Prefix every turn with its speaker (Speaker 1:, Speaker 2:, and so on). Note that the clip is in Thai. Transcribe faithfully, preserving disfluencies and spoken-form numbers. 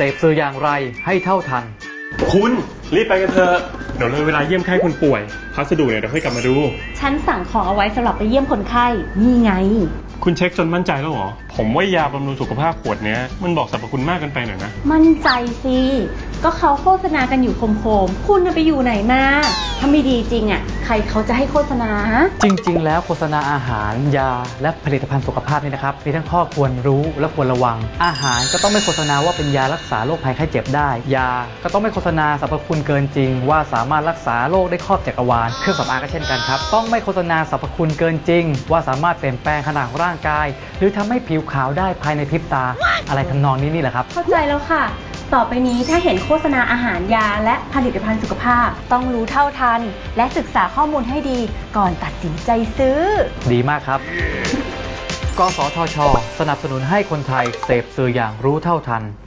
Speaker 1: พสื่ออย่างไรให้เท่าทัน
Speaker 2: คุณรีบไปกันเถอะเดี๋ยวเลยเวลาเยี่ยมไข้คนป่วยพัสดุเนี่ยเดี๋ยวค่อยกลับมาดู
Speaker 3: ฉันสั่งของเอาไว้สำหรับไปเยี่ยมคนไข้นี่ไง
Speaker 2: คุณเช็คจนมั่นใจแล้วเหรอผมว่ายาบำรุงสุขภาพขวดเนี้ยมันบอกสรรพคุณมากเกินไปหน่อยนะ
Speaker 3: มั่นใจสิก็เขาโฆษณากันอยู่โคมๆคุณไปอยู่ไหนมาถ้าไม่ดีจริงอ่ะใครเขาจะให้โฆษณา
Speaker 1: จริงๆแล้วโฆษณาอาหารยาและผลิตภัณฑ์สุขภาพนี่นะครับมีทั้งข้อควรรู้และควรระวังอาหารก็ต้องไม่โฆษณาว่าเป็นยารักษาโรคภัยไข้เจ็บได้ยาก็ต้องไม่โฆษณาสรรพคุณเกินจริงว่าสามารถรักษาโรคได้ครอบจักรวาลเครื่องสำอางก็เช่นกันครับต้องไม่โฆษณาสรรพคุณเกินจริงว่าสามารถเปลี่ยนแปลงขนาดของร่างกายหรือทำให้ผิวขาวได้ภายในพริบตาอะไรทำนองนี้นี่แหละครับ
Speaker 3: เข้าใจแล้วค่ะต่อไปนี้ถ้าเห็นโฆษณาอาหารยาและผลิตภัณฑ์สุขภาพต้องรู้เท่าทันและศึกษาข้อมูลให้ดีก่อนตัดสินใจซื้อ
Speaker 1: ดีมากครับ กสทช.สนับสนุนให้คนไทยเสพสื่ออย่างรู้เท่าทัน